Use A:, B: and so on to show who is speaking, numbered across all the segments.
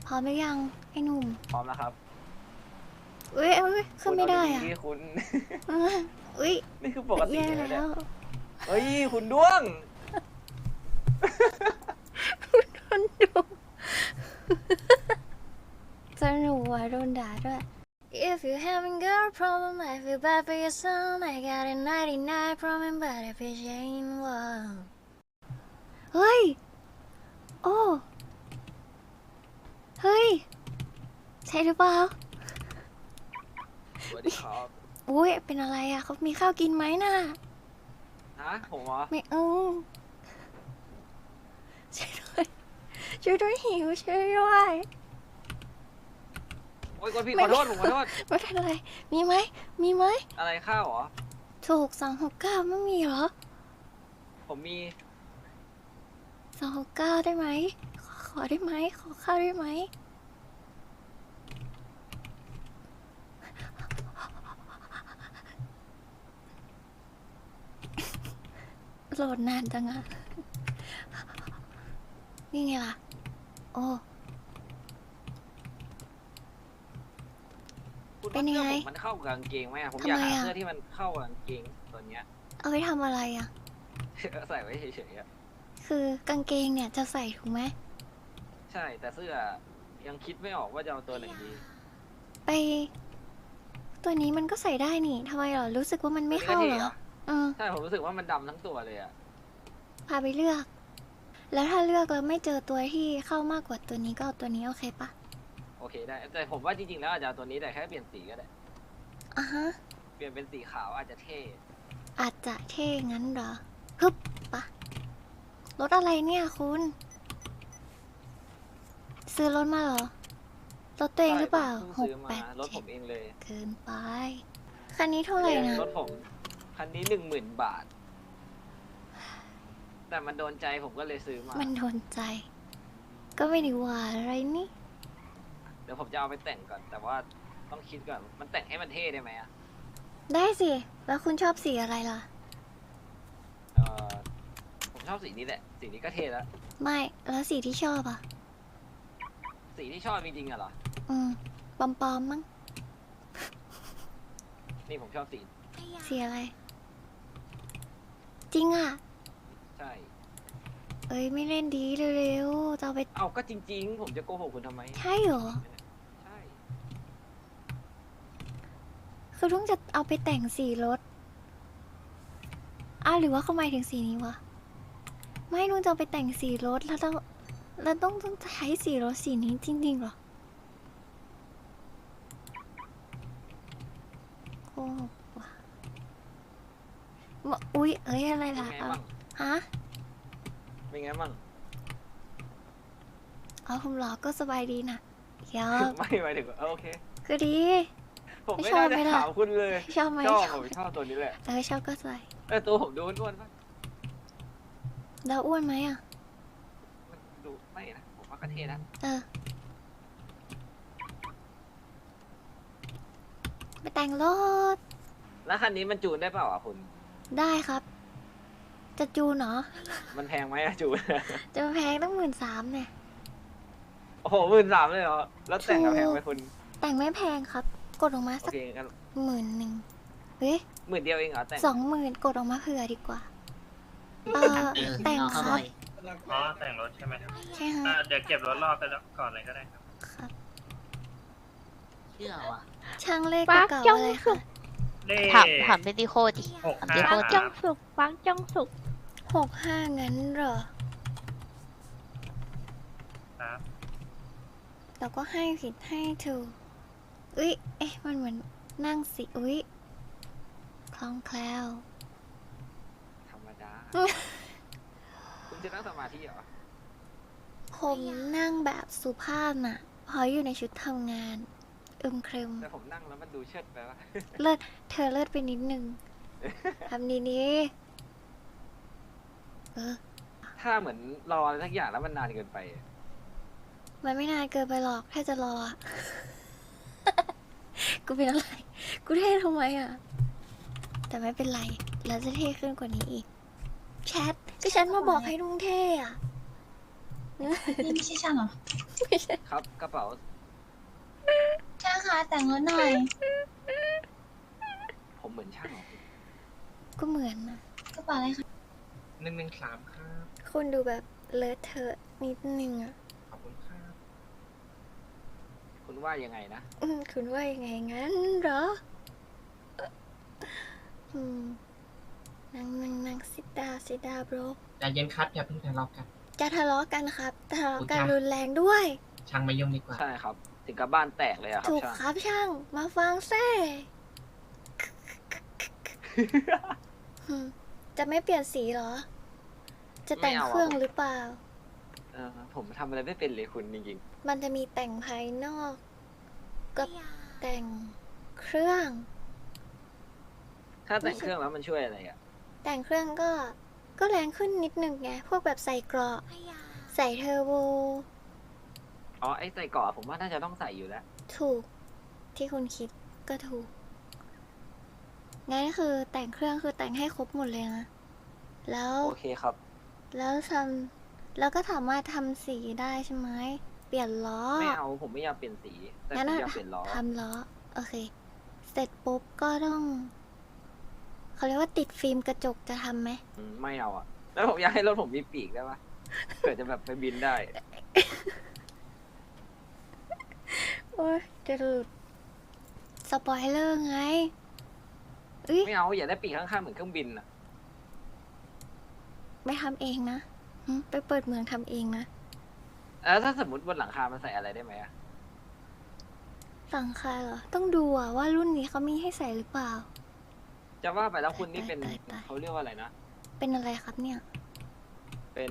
A: พร้อมหรือยังไอ้หนุ่ม
B: พร้อมแล้วครับ
A: อุ้ยขึ้นไม่ได้อ่ะ
B: คุณ
A: อุ้ย
B: นี่คือปกติ
A: แย่
B: เลย
A: แล้
B: เนี่ยว เฮ้ยคุณด้วง
A: คนดูสนุกว่ะโดนด่าด้วย If you having girl problem I feel bad for your son I got a 99 problem but if it ain't one เฮ้ยโอ้เฮ้ยใช่หรือเปล่า
B: สวัสดีครับ
A: อุ้ยเป็นอะไรอ่ะเขามีข้าวกินไหมน่ะ
B: ฮะผมเหรอ
A: ไม่ช่วยด้วยช่วยด้วยหิวช่วยด้วย
B: โอ้ยคนพี่ขอโทษผมขอโทษ
A: ไม่เป็นไรมีไหมมีไหม
B: อะไรข้าวเหรอ
A: ถูก269ไม่มีเหรอ
B: ผมมี
A: 269ได้ไหมขอได้ไหมขอข้าวได้ไหมโหลดนานจังอะนี่ไงล่ะโอ้
B: คุณ
A: เป็นยังไง
B: ว่าสื้อผมมันเข้ากับกางเกงไหมอะผม
A: ทำ
B: อยาก
A: ไม
B: หา
A: อะ
B: เสื้อที่มันเข้ากับกางเกงตัวเนี้ย
A: เอาไปทำอะไรอะ
B: ใส่ไว้เฉยๆอะ
A: คือกางเกงเนี่ยจะใส่ถูกไหม
B: ใช่แต่เสื้อยังคิดไม่ออกว่าจะเอาตัวไหนดี
A: ไป ตัวนี้มันก็ใส่ได้นี่ทำไมเหรอรู้สึกว่ามันไม่เข้าเหรอ
B: ใช่ผมรู้สึกว่ามันดำทั้งตัวเลยอะ
A: พาไปเลือก แล้วถ้าเลือกแล้วไม่เจอตัวที่เข้ามากกว่าตัวนี้ก็เอาตัวนี้โอเคปะ
B: โอเคได้แต่ผมว่าจริงๆแล้วอาจจะเอาตัวนี้แต่แค่เปลี่ยนสีก็ได้
A: อ่ะฮะ
B: เปลี่ยนเป็นสีขาวอาจจะเท่
A: อาจจะเท่งั้นเหรอฮึบปะรถอะไรเนี่ยคุณ ซื้อรถมาเหรอ รถตัวเองหรือเปล่า
B: ใช่ผม
A: ห
B: เพิ่ง
A: ก
B: ซื้อ
A: แป
B: มา
A: ด
B: รถผ
A: เจ็ด
B: มเองเลย
A: เกินไป คันนี้เท่าไหร่นะ
B: รถผมคันนี้10,000 บาท แต่มันโดนใจผมก็เลยซื้อมา
A: มันโดนใจ ก็ไม่ได้ว่าอะไรนี่
B: เดี๋ยวผมจะเอาไปแต่งก่อน แต่ว่าต้องคิดก่อน มันแต่งให้มันเท่ได้ไหมอะ
A: ได้สิ แล้วคุณชอบสีอะไรล่ะ
B: เออผมชอบสีนี้แหละ สีนี้ก็เท่แล้ว
A: ไม่ แล้วสีที่ชอบอ่ะ
B: สีที่ชอบจริงๆอะเหรอ
A: ปอมๆมั้ง
B: นี่ผมชอบสี
A: สีอะไร จริงอ่ะ
B: ใช่
A: เอ้ยไม่เล่นดีเร็วๆจะเอาไป
B: เอาก็จริง ๆ ผมจะโกหกคุณทำไม
A: ใช่เหรอ
B: ใช่
A: คือต้องจะเอาไปแต่งสีรถหรือว่าเขาหมายถึงสีนี้วะ ไม่นุ่งจะเอาไปแต่งสีรถแล้วต้องใช้สีรถสีนี้จริงๆเหรอโอ้วะอุ๊ยเอ้ยอะไร
B: เป็น
A: ล่ะ
B: ไงบ้าง
A: ฮะ
B: เป็นไงบ้าง
A: ผมหรอก็สบายดีนะเดี๋ยว
B: ไม่หมายถึงว่าโอเค
A: ก็ดี
B: ผม
A: ไม่
B: ไม่
A: ชอบ
B: น่า
A: ไหม
B: จะ
A: ล่ะ
B: ถามคุณเลย
A: ชอบไหม
B: ชอบ
A: ชอบ
B: ผมชอบตัวนี้แหละ
A: ชอบก็ใส่
B: แต่ตัวผมดูอ้วนๆป่ะ
A: แล้วอ้วนไหมอ่ะ
B: มันดูไม่นะ ผมว่าก็เท่นะ
A: ไปแต่งรถ
B: แล้วคันนี้มันจูนได้เปล่าอ่ะคุณ
A: ได้ครับ จะจูนเหรอ
B: มันแพงไหมอะจูน
A: จะแพงตั้ง13,000เนี่ย
B: โอ้โห13,000เลยเหรอ แล้วแต่งกับแพงไหมคุณ
A: แต่งไม่แพงครับ กดออกมา
B: โอ
A: สัก
B: เคงั้น
A: 10,000เฮ้ย
B: 10,000เดียวเองเหรอแต่ง
A: 20,000กดออกมาเผื่อดีกว่า แต่งครับ
C: อ๋อแต่งรถใช่ไหมครับ
A: ใช่ฮะ
C: เดี๋ยวเก็บรถรอบไปแล้วก่อนเลยก็ได้ครับ
A: ครับ
D: เชื่อว่ะ
A: ช่างเลข
E: ปัก
A: เก่า
E: จ้
A: ๆ
E: อง
A: อะไร
E: สุ
A: คะ
E: ก
C: เลข
D: ถามเบติโคดิ
C: หก
D: ถาม
C: ห้า
D: เบติโค
E: ปัก
D: ดิ
E: จ้องสุกปักจ้องสุก
A: 65งั้นเหรอ
C: ครับ
A: เราก็ให้ผิดให้ถูกอุ๊ย เอ๊ะ มันเหมือนนั่งสิ อุ๊ย คล่องแคล่ว
B: ธรรมดา คุณจะนั่งสมาธิเหรอ
A: ผมนั่งแบบสุภาพน่ะ พออยู่ในชุดทำงาน เครม
B: แต่ผมนั่งแล้วมันดูเชิดไปวะ
A: เลิศเธอเลิศไปนิดนึง ทำดีนี้
B: ถ้าเหมือนรออะไรสักอย่างแล้วมันนานเกินไปอะ
A: มันไม่นานเกินไปหรอก ถ้าจะรออะ กูเป็นอะไร กูเท่ทำไมอ่ะ แต่ไม่เป็นไร แล้วจะเท่ขึ้นกว่านี้อีก แชท ก็ฉันมาบอกให้ลุงเท่อะ
E: นี่ไม่ใช่ช่างเหรอ
A: ไม่ใช่
B: ครับกระเป๋า
E: ช่างคะแต่งรถหน่อย
B: ผมเหมือนช่างเหรอ
A: ก็เหมือนนะ
E: กระเป๋าอะไรคะ
C: 113ครับ
A: คุณดูแบบเลอะเทอะนิดนึงอ่ะ
C: ขอบคุณครับ
B: คุณว่ายังไงนะ
A: คุณว่ายังไงงั้นเหรอ อืมนั่งsit down bro
F: ใจเย็นครับอย่าเพิ่งทะเลาะกัน
A: จะทะเลาะกันครับทะเลาะกัน
F: อุ๊ยจ้ะ
A: รุนแรงด้วย
F: ช่างไม่ยุ่งดีกว่า
B: ใช่ครับ ถึงกับบ้านแตกเลยอะครับ
A: ถูก
B: ช่าง
A: ครับช่าง มาฟังแซ่จะไม่เปลี่ยนสีเหรอ จะแต่ง
B: ไม่เอาอะ
A: เครื่องหรือเปล่า
B: ผมทำอะไรไม่เป็นเลยคุณจริง
A: มันจะมีแต่งภายนอก กับแต่งเครื่อง
B: ๆ ถ้าแต่งเครื่องแล้วมันช่วยอะไรอะ
A: แต่งเครื่องก็แรงขึ้นนิดนึงไง พวกแบบใส่เกราะ ใส่เทอร์โบ
B: อ๋อไอ้ใส่เกราะผมว่าน่าจะต้องใส่อยู่แล้ว
A: ถูก ที่คุณคิดก็ถูก งั้นคือแต่งเครื่องคือแต่งให้ครบหมดเลยนะ แล้ว
B: โอเคครับ
A: แล้วก็สามารถทำสีได้ใช่ไหม เปลี่ยนล้อ
B: ไม่เอาผมไม่อยากเปลี่ยนสี แต่ผ
A: งั้น
B: ม
A: อะ
B: อยากเปลี่ยนล้อ
A: ทำล้อ โอเค เสร็จปุ๊บก็ต้อง เขาเรียกว่าติดฟิล์มกระจกจะทำไหม
B: ไม่เอาอะแล้วผมอยากให้รถผมมีปีกได้ปะ เผื่อจะแบบไปบินได้
A: โอ้ยจะหลุดสปอยเลอร์ไงอุ๊ย
B: ไม่เอาอยากได้ปีกข้างๆเหมือนเครื่องบินอะ
A: ไม่ทำเองนะไปเปิดเมืองทำเองนะ
B: แล้วถ้าสมมติบนหลังคามันใส่อะไรได้ไหมอะ
A: สั่งคาเหรอ ต้องดูอะว่ารุ่นนี้เขามีให้ใส่หรือเปล่า
B: จะว่าไปแล้วคุณนี่เป็น
A: ตาย
B: เขาเรียกว่าอะไรนะ
A: เป็นอะไรครับเนี่ย
B: เป็น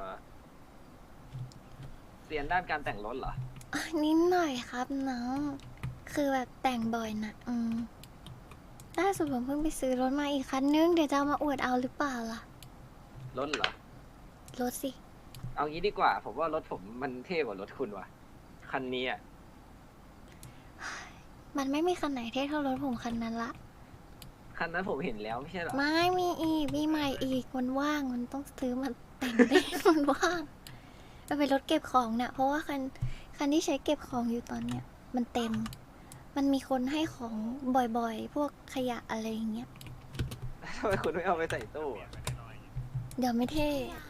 B: เรียนด้านการแต่งรถเหรอ
A: นิดหน่อยครับน้อง คือแบบแต่งบ่อยนะล่าสุดผมเพิ่งไปซื้อรถมาอีกคันนึง เดี๋ยวจะเอามาอวดเอาหรือเปล่าล่ะ
B: รถเหรอ
A: รถสิ
B: เอางี้ดีกว่า ผมว่ารถผมมันเท่กว่ารถคุณว่ะ คันนี้อะ
A: มันไม่มีคันไหนเท่เท่ารถผมคันนั้นละ
B: คันนั้นผมเห็นแล้วไม่ใช่เหรอ
A: ไม่มีอีก มีใหม่อีก มันว่าง มันต้องซื้อมันแต่งได้ มันว่าง มันเป็นรถเก็บของเนี่ยเพราะว่าคันที่ใช้เก็บของอยู่ตอนเนี้ย มันเต็ม มันมีคนให้ของบ่อยๆ พวกขยะอะไรอย่างเงี้ย
B: ทำไมคุณไม่เอาไปใส่ตู้อะ
A: เดี๋ยวไม่เท่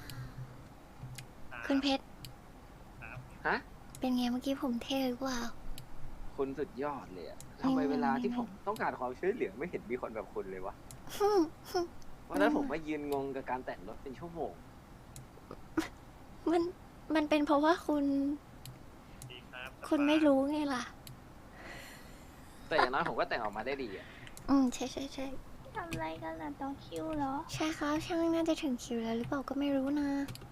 A: คุณเพชร
B: ฮะ
A: เป็นไงเมื่อกี้ผมเท่หรือเปล่า
B: คุณสุดยอดเลยอะทำไมเวลาที่ผมต้องการความช่วยเหลือไม่เห็นมีคนแบบคุณเลยวะ วันนั้นผมมายืนงงกับการแต่งรถเป็นชั่วโมง
A: มันเป็นเพราะว่าคุณ
C: ดีครับ
A: คุณไม่รู้ไงล่ะ
B: แต่อย่างน้อยผมก็แต่งออกมาได้ดีอะ
A: ใช่
E: ทำอะไรกันล่ะต้องคิวเหรอ
A: ใช่ครับช่างน่าจะถึงคิวแล้วหรือเปล่าก็ไม่รู้นะ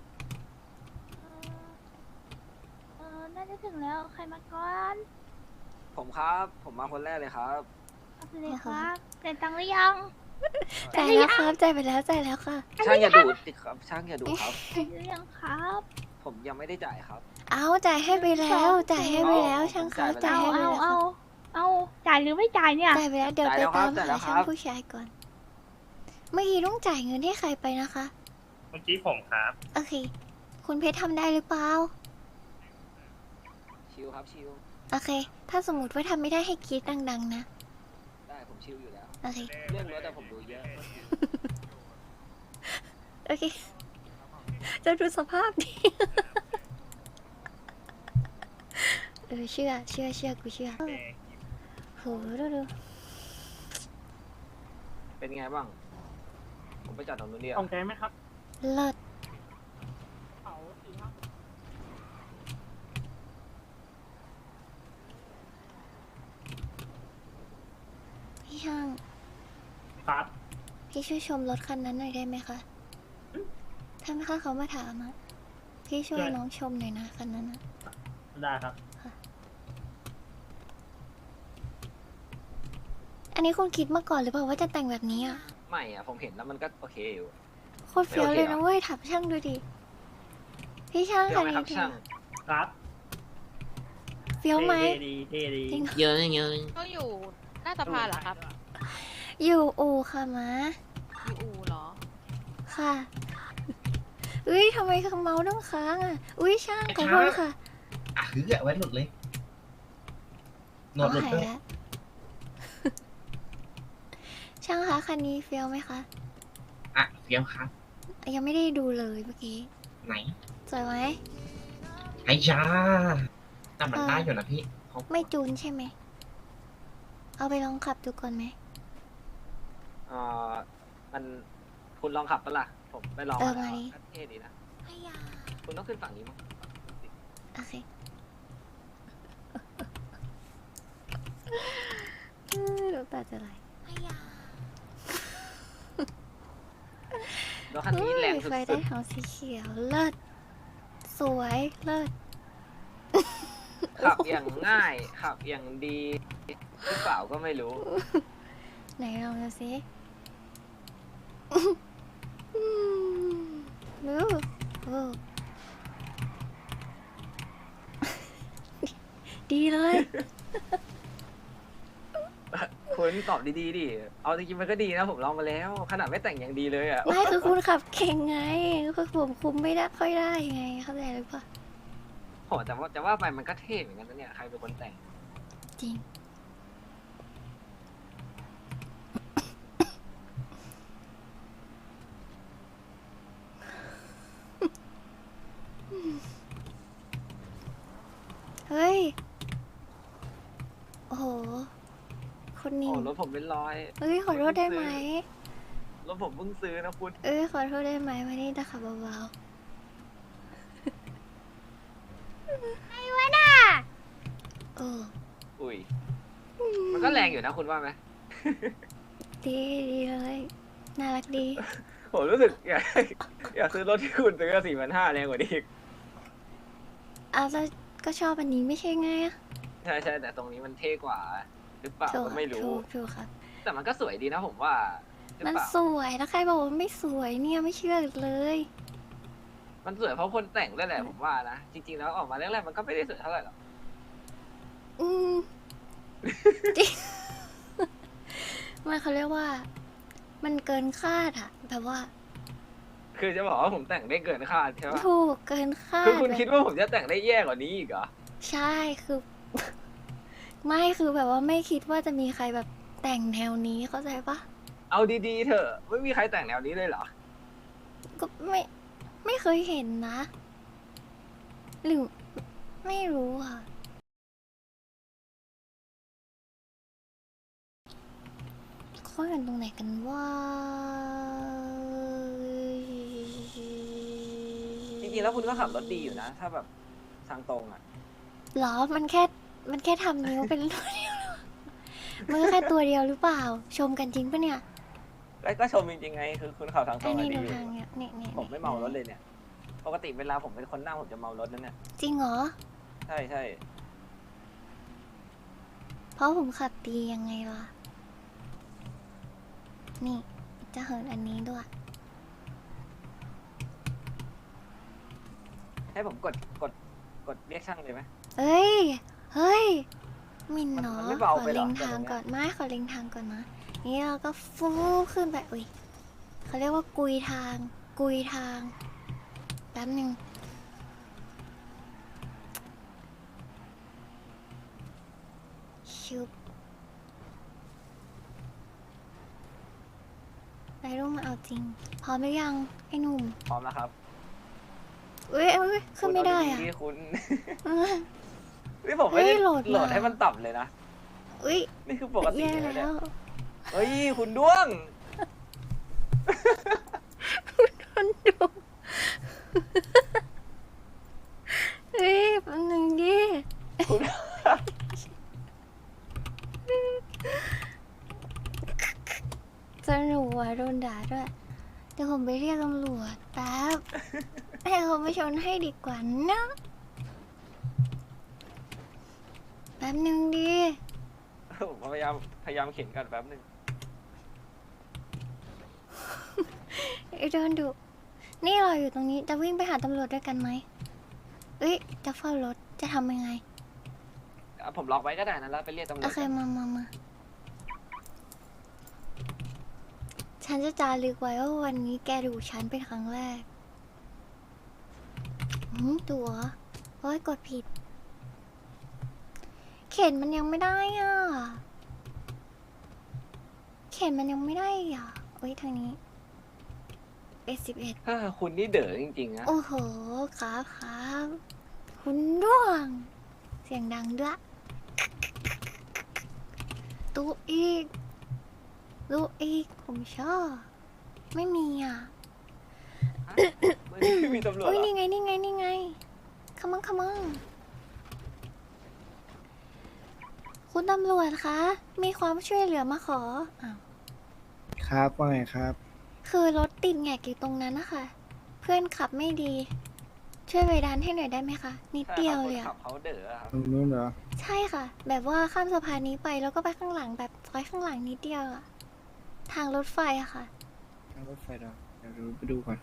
E: น่าจะถึงแล้ว ใครมาก่อน
B: ผมครับ ผมมาคนแรกเลยครับ
E: เอาไปเลยครับแต่ตังค์หรือยัง
A: จ่ายแล้วครับจ่ายไปแล้วจ่ายแล้วค่ะ
B: ช่างอย่าดูดสิครับ ช่างอย่าดูครับ
E: จ่ายหรือยังครับ
B: ผมยังไม่ได้จ่ายครับ
A: เอาจ่ายให้ไปแล้วจ่ายให้ไปแล้ว
B: อ๋อ
A: ช่างครับ
B: ผม
A: จ่า
B: จ่าย ย
A: ให้
B: ไป
A: ไป
B: แล้ว
A: แล้ว
E: เอาจ่ายหรือไม่จ่ายเนี่ย
A: จ่ายไปแล้วเดี๋ยวไป
B: จ่ายแล้วครั
A: ตาม
B: บจ่ายแล้วครับ
A: หาช่างผู้ชายก่อน เมื่อกี้ต้องจ่ายเงินให้ใครไปนะคะ
C: เมื่อกี้ผมครับ
A: โอเค คุณเพชรทำได้หรือเปล่า
B: ชิลครับชิล
A: โอเค ถ้าสมมติว่าทำไม่ได้ให้กรีดดังๆนะ
B: ได้ผมชิลอยู่แล้ว
A: โอเค
B: เรื่องรถแต่ผมดูเยอะ
A: โอเค จะดูสภาพดิ เชื่อกูเชื่อโหดู
B: เป็นไงบ้าง ผมไปจอดตรงนู้นเดียว
C: ของแกไหมครับ
A: เลิศ
C: เขาสีครับ
A: พี่ช่าง
C: ครับ
A: พี่ช่วยชมรถคันนั้นหน่อยได้ไหมคะ ถ้าเขามาถามอะพี่ช่วยน้องชมหน่อยนะคันนั้นนะ
C: ได้ครับ
A: อันนี้คุณคิดมาก่อนหรือเปล่าว่าจะแต่งแบบนี้อ่ะ
B: ไม่อะผมเห็นแล้วมันก็โอเคอยู่
A: โคตรเฟี้ยวเลยนะเว้ยถับช่างดูดิ พี่ช่าง
B: เดี๋ย
A: คั
B: วน ไหม
A: นี้
B: ครับช่าง
C: ครับ
A: เฟี้ยวไหม
C: ดี
A: จริง
F: เยอะเยอะ
G: ก็อยู่หน้าสภาเหรอครับ
A: อยู่อู่ค่ะม้า
G: อยู่อู่เหรอ
A: ค่ะอุ้ยทำไมเมาส์ต้องค้างอ่ะ อุ้ยช่างขอโทษค่ะ
F: อ่ะหือไว้หลุดเลยโหนดหลุด
A: หาย
F: ด้วย
A: แล้ว ช่างคะคันนี้เฟี้ยวไหมคะ
F: อ่ะเฟี้ยวครับ
A: ยังไม่ได้ดูเลยเมื่อกี้
F: ไหน
A: สวยไหม
F: ไอ้ยาแต่มันได้อยู่นะพี่เขา
A: ไม่จูนใช่ไหม เอาไปลองขับดูก่อนไหม
B: มันคุณลองขับปะล่ะผมไปลอง
A: มา
B: แล้ว
A: ดิ
B: ก็เท่ดีนะ
A: พยา
B: คุณต้องขึ้นฝั่งนี้มั้ง
A: โอเคน้ำตาจะไหลพยา
B: แล้วคันนี้แรงสุ
A: ไฟ
B: ด
A: ได้ของสีเขียว เลิศ สวย เลิศ
B: ๆขับอย่างง่ายขับอย่างดีหรือเปล่าก็ไม่รู้
A: ไหนลองดูสิดูโอ้ดีเลย
B: คุณตอบดีๆดิเอาจริงๆมันก็ดีนะผมลองมาแล้ว ขนาดไม่แต่งอย่างดีเลยอ่ะ
A: ไม่คือคุณขับเก่งไงคือผมคุมไม่ได้ค่อยได้ไง เข้าใจหรือเปล่า
B: โหแต่ว่าไปมันก็เท่เหมือนกันนะเนี่ยใครเป็นคนแต่ง
A: จริง เฮ้ย โอ้โห คนนิ่
B: โอ้
A: ง
B: รถผมเป็นร้อย
A: เฮ้ย ขอโทษได้ไหม
B: รถผมเพิ่งซื้อนะคุณ
A: เอ้ย ขอโทษได้ไหมวันนี้จะขับเบาๆไอ้วะน่ะโอ้
B: อุ้ยมันก็แรงอยู่นะคุณว่าไหม
A: ดีดีเลย น่ารักดี
B: ผมรู้สึกอยากซื้อรถที่คุณซื้อ4,500แรงกว่านี้อีก
A: อ้าวแล้วก็ชอบอันนี้ไม่ใช่ไงอะ
B: ใช่แต่ตรงนี้มันเท่กว่า หรือเปล่า
A: ถูก
B: ก็ไม่รู้
A: ถูกครับ
B: แต่มันก็สวยดีนะผมว่าหรือ
A: มัน
B: เปล่า
A: สวยแล้วใครบอกว่าไม่สวยเนี่ยไม่เชื่อเลย
B: มันสวยเพราะคนแต่งด้วยแหละผมว่านะจริงๆแล้วออกมาแรกๆมันก็ไม่ได้สวยเท่าไหร่หรอก
A: อืม จริง มันเขาเรียกว่า มันเกินคาดอะแบบว่า
B: คือจะบอกว่าผมแต่งได้เกินคาดใช่ปะ
A: ถูกเกินคาด
B: คือคุณ
A: แบบ
B: คิดว่าผมจะแต่งได้แย่กว่านี้อีกเหรอ
A: ใช่คือ ไม่คือแบบว่าไม่คิดว่าจะมีใครแบบแต่งแนวนี้เข้าใจปะ
B: เอาดีๆเถอะไม่มีใครแต่งแนวนี้เลยเหรอ
A: ก็ไม่เคยเห็นนะ หรือไม่รู้อ่ะเขาเห็นตรงไหนกันว่า
B: จริงๆแล้วคุณก็ขับรถดีอยู่นะ ถ้าแบบทางตรงอ่ะ
A: หรอมันแค่ทำนิ้วเป็นตัวเดียวหรอมันก็แค่ตัวเดียวหรือเปล่า ชมกันจริงปะเนี่ย
B: แล้วก็ชมจริงๆไง คือคุณขับทางตร
A: อั
B: ง
A: น
B: อะ
A: นี้
B: ดี
A: ดู
B: อยู่
A: ทางเนี่ยเนี่ย
B: ผมไม่เมารถเลยเนี่ย ปกติเวลาผมเป็นคนนั่งผมจะเมารถนั่นเนี่ย
A: จริงเหรอ
B: ใช่
A: เพราะผมขับดียังไงล่ะ นี่จะเหินอันนี้ด้วย
B: ให้ผมกดเรียกช่างเลยไหม
A: เฮ้ย เฮ้ย มิน
B: มัน
A: เนาะ
B: มันไม่
A: ข
B: เบา
A: อ
B: ไปเหรอ
A: เล็ง
B: แต่
A: ทาง
B: ตรงเนี้ย
A: ก่อนไม่ขอเล็งทางก่อนนะ นี่เราก็ฟูขึ้นไป อุ้ยเขาเรียกว่ากุยทาง แป๊บหนึ่งชุบไรรุ่งมาเอาจริง พร้อมหรือยังไอ้หนุ่ม
B: พร้อมแล้วครับ
A: เอ้ยขึ้นไม่ได้อ่ะ
B: คุณเาๆคุณ นี่ผมไม่ได้
A: เฮ้ยโหลดมา
B: โหลดให้มันต่ำเลยนะ
A: อุ้ย
B: นี่คือปกติ
A: แย่
B: เลย
A: แล้
B: เนี่ยว เฮ้ย คุณด้วง
A: มันดูเฮ้ยแป๊บนึงดิ
B: คุณ
A: สนุกว่ะโดนด่าด้วย เดี๋ยวผมไปเรียกตำรวจแป๊บ ให้เขามาชนให้ดีกว่านะแป๊บนึงดิ
B: ผมพยายามเข็นกันแป๊บหนึง
A: ไอ้โดนดุนี่เราอยู่ตรงนี้จะวิ่งไปหาตำรวจด้วยกันไหมเอ้ยจะเฝ้ารถจะทำยังไง
B: อ่ะผมล็อกไว้ก็ได้นะแล้วไปเรียกตำรว
A: โอ
B: จ
A: เคมาฉันจะจารึกไว้ว่าวันนี้แกดูฉันเป็นครั้งแรกตัวโอ้ยกดผิด เข็นมันยังไม่ได้อ่ะ เข็นมันยังไม่ได้อ่ะโอ้ยทางนี้11
B: คุณนี่เด๋อจริงๆนะ
A: โอ้โหครับคุณร่วง เสียงดังด้วยตู้อีกผมชอบ ไม่มีอ่ะ
B: ไม่มีตำรวจ
A: อุ้ย
B: เหรอ
A: นี่ไงขมังคุณตำรวจคะ มีความช่วยเหลือมาขออ้าว
H: ครับว่าไงครับ
A: คือรถติดแงกอยู่ตรงนั้นนะคะ เพื่อนขับไม่ดี ช่วยไปดันให้หน่อยได้ไหมคะ นิดเดียวเลย
B: ใช่ครั
A: อะ
B: บคนขับเขาเด๋อครับ
H: ตรงนู้นเหรอ
A: ใช่ค่ะ แบบว่าข้ามสะพานนี้ไปแล้วก็ไปข้างหลังแบบซอยข้างหลังนิดเดียวอะทางรถไฟอะค่ะ
H: ทางรถไฟเหรอเดี๋ยวไปดูก่อน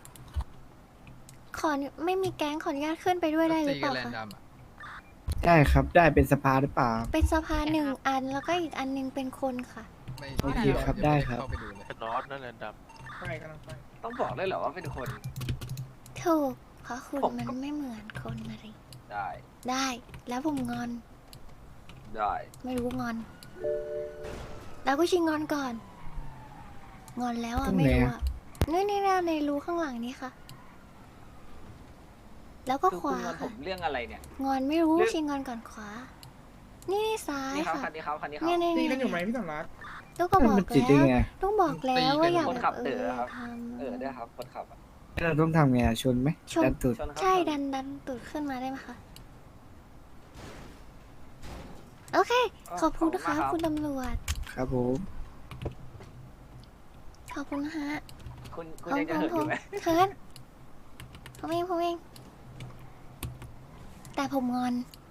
A: ไม่มีแก๊งขออนุญาตขึ้นไปด้วยได้หรือเปล่าคะ
H: ได้ครับได้เป็นสภาหรือเปล่า เป็น
A: สะพานหนึ่งอันแล้วก็อีกอันหนึงเป็นคนค่ะ
H: โอเคครับได้ครับ
C: เป็นรถนั่นแหละดับไปกำลังไป
B: ต้องบอกเลยเหรอว่าเป็นคน
A: ถูกเพราะคุณ
B: ผมก็
A: มันไม่เหมือนคนนะริ
B: ได้
A: ได้ แล้วผมงอน
B: ได้
A: ไม่รู้งอน แล้วก็ชิงงอนก่อน งอนแล้วอ่ะ
H: ตรงไหน
A: ไม่รู้
H: อะ
A: อ่ะนี่ในรูข้างหลังนี้ค่ะ แล้วก็
B: คือ
A: ข
B: คุณ
A: วาง
B: อนผ
A: ค่ะ
B: มเรื่องอะไรเนี่ย
A: งอนไม่รู้
B: เรื่อง
A: ชิงงอนก่อนขวา นี่ซ้าย
B: นี่ครับ
A: ค่ะ
B: คันนี้ครับคันนี้ครับ
A: เนี่ย
C: ตีกันอยู่ไหมพี่สำรัก
A: ลูกก็บอก
H: มันจิตได้
A: แล้ว
H: ไง
A: ต้องบอกแล้วว่าอย่า
B: คนขับ
A: แบบ
B: เต๋อครับ
A: ทำ
B: ได้ครับคนขับอะ
H: เราต้องทำไงอะชนไหม
A: ชน
H: ดันตุด
B: ชนครับ
A: ใช่ดันตูดขึ้นมาได้ไหมคะ โอเค ขอบคุณนะคะ
B: มากรับ
A: คุณตำรวจ
H: ครับผม
A: ขอบคุณนะฮะ
B: คุณยังจะเหินอยู่ไหม
A: เชิญผมเอง แต่ผมงอน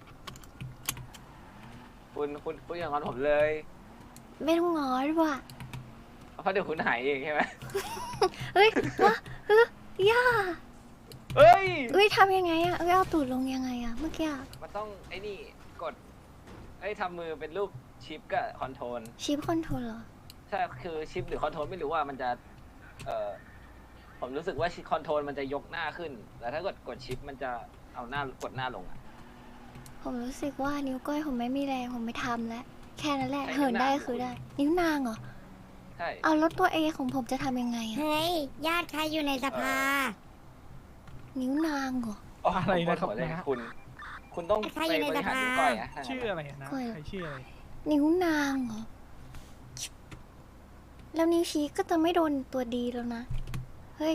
B: คุณอย่างนั้นผมเลย
A: ไม่ต้องงอดีกว่า
B: เพราะเดี๋ยวคุณหายเองใช่ไหม
A: เฮ้ยย่า
B: เฮ้ย
A: เฮ้ยทำยังไงอะเอาตูดลงยังไงอะเมื่อกี้อะ
B: มันต้องไอ้นี่กดทำมือเป็นรูปชิปกับคอนโทรล
A: ชิปคอนโทรลเหรอ
B: ใช่คือชิปหรือคอนโทรลไม่รู้ว่ามันจะผมรู้สึกว่าคอนโทรลมันจะยกหน้าขึ้นแต่ถ้ากดชิปมันจะเอาหน้ากดหน้าลงอ่ะ
A: ผมรู้สึกว่านิ้วก้อยผมไม่มีแรงผมไม่ทำแล้ว แค่นั้นแหละ
B: ใช้
A: เหินได้
B: นิ้วนาง
A: คือได้ นิ้วนางเหรอ
B: ใช่
A: เอารถตัวเอของผมจะทำยังไงอะ
I: เฮ้ย ญาติใครอยู่ในสภา
A: นิ้วนางเหรอ
C: อะไรนะครับ
B: ผมปวดหัวเลย
C: นะ
B: คุณต้อง
I: ใคร
B: ไป
I: อยู่ใน
B: บริหาร
I: สภา
B: นิ้วก้อยอะ
C: ชื่ออะไรนะ
A: ก้อย
C: ใครชื่ออะไร
A: นิ้วนางเหรอ แล้วนิ้วชี้ก็จะไม่โดนตัวดีแล้วนะ เฮ้ย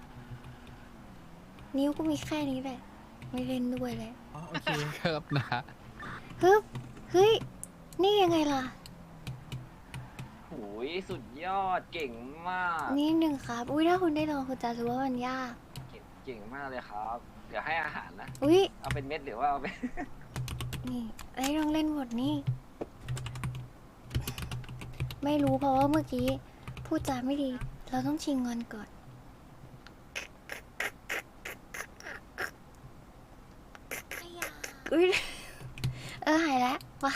A: นิ้วก็มีแค่นี้แหละ ไม่เล่นด้วยเลย
C: อ๋อโอเค
J: ครับนะ
A: ฮึบเฮ้ย นี่ยังไงล่ะ
B: หูยสุดยอดเก่งมาก
A: นี่หนึ่งครับ อุ้ยถ้าคุณได้ลองคุณจะรู้ว่ามันยาก
B: เก่งมากเลยครับ เดี๋ยวให้อาหารนะ
A: อุ้ย
B: เอาเป็นเม็ดหรือว่าเอาเป็น
A: นี่ไอ้ลองเล่นบทนี่ ไม่รู้เพราะว่าเมื่อกี้พูดจาไม่ดี เราต้องชิงเงินก่อน อุ้ยหายแล้วว้า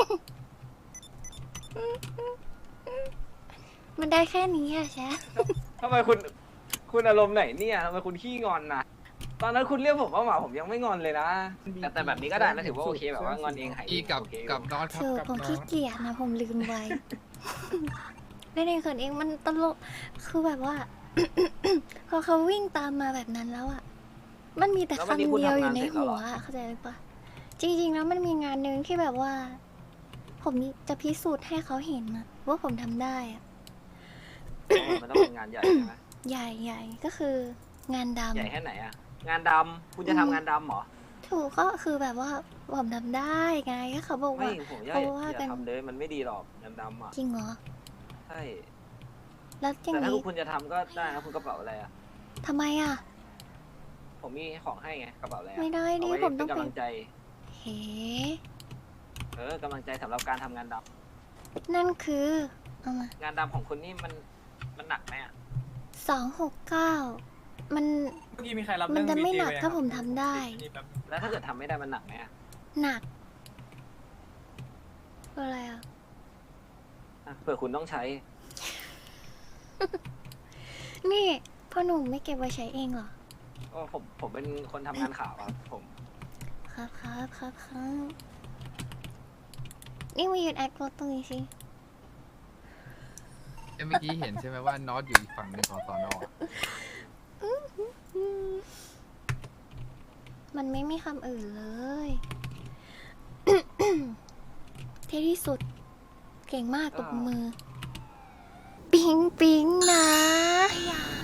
A: มันได้แค่นี้อะแชะ
B: ทำไมคุณอารมณ์ไหนเนี่ยทำไมคุณขี้งอนนะตอนนั้นคุณเรียกผมว่าหมาผมยังไม่งอนเลยนะ แต่แบบนี้ก็ได้นะถือว่าโอเคแบบว่างอนเองหายเอ
J: อี
B: ง
J: กับ
B: โอเค
J: กับน็อตครับ
A: คือ
J: กับ
A: ผม
J: น็อ
A: ขี้
J: ต
A: เกียจนะผมลืมไว้ เล่นเองเขินเองมันตลกคือแบบว่า พอเขาวิ่งตามมาแบบนั้นแล้วอ่ะ มันมีแต่
B: แล้ว
A: คำ
B: วันนี้คุณ
A: เดียวอ
B: ทำงา
A: ยู่
B: น
A: ใน
B: เสร็จแล้ว
A: หั
B: เหร
A: ว
B: อ
A: อะเข้าใจหรือปะจริงๆแล้วมันมีงานหนึ่งที่แบบว่า ผมจะพิสูจน์ให้เขาเห็นนะว่าผมทำได้อะ
B: มันต้องเป็นงานใหญ่ใช่ไหม
A: ใหญ่ก็คืองานด
B: ใหญ่แค่ไหนอะงานดำคุณจะทำงานดำเหรอ
A: ำถูกก็คือแบบว่าผมทำได้ไงก็เขาบอก
B: ไม่
A: ว่า
B: ผมอย่า
A: เพราะว่ากัน
B: ทำเลยมันไม่ดีหรอกงานดำอ่ะ
A: จริงเหรอ
B: ใช่
A: แล้วจริง
B: แต่ถ้า
A: นี้
B: คุณจะทำก็ได้นะคุณกระเป๋าอะไรอ่ะ
A: ทำไมอ่ะ
B: ผมมีของให้ไงกระเป๋าอะไรอะ
A: ไม่ได้ดิ
B: เอาว้
A: ผมต้อง
B: เป็น
A: ไป
B: กำลังใจ
A: เฮ้
B: กำลังใจสำหรับการทำงานด
A: นั่นคือเอามา
B: ำงานดำของคุณนี่มันหนักไหมอ่ะ
A: 269 มัน
C: เมื่อกี้มีใครรับ
A: มัน
C: เรื่อง
A: จะไม่
C: VJ
A: หนัก
C: ว้
A: ถ้าผมทำได้
C: ครับ
B: แล้วถ้าเกิดทำไม่ได้มันหนักไหมอ่ะ
A: หนักคืออะไรอ่ะ
B: เผื่อคุณต้องใช้
A: นี่พ่อหนุ่มไม่เก็บไว้ใช้เองเหรอ
B: ก็ผมเป็นคนทำงานข่าวครับผม
A: ครับนี่มายืนแอครถตรงนี้สิ
J: เมื่อกี้เห็นใช่ไหมว่านอตอยู่อีกฝั่งหนึ่งของสอนอ
A: มันไม่มีคำอื่นเลย เท่ที่สุด เก่งมากตบมือ ปิ๊งปิ๊งนะ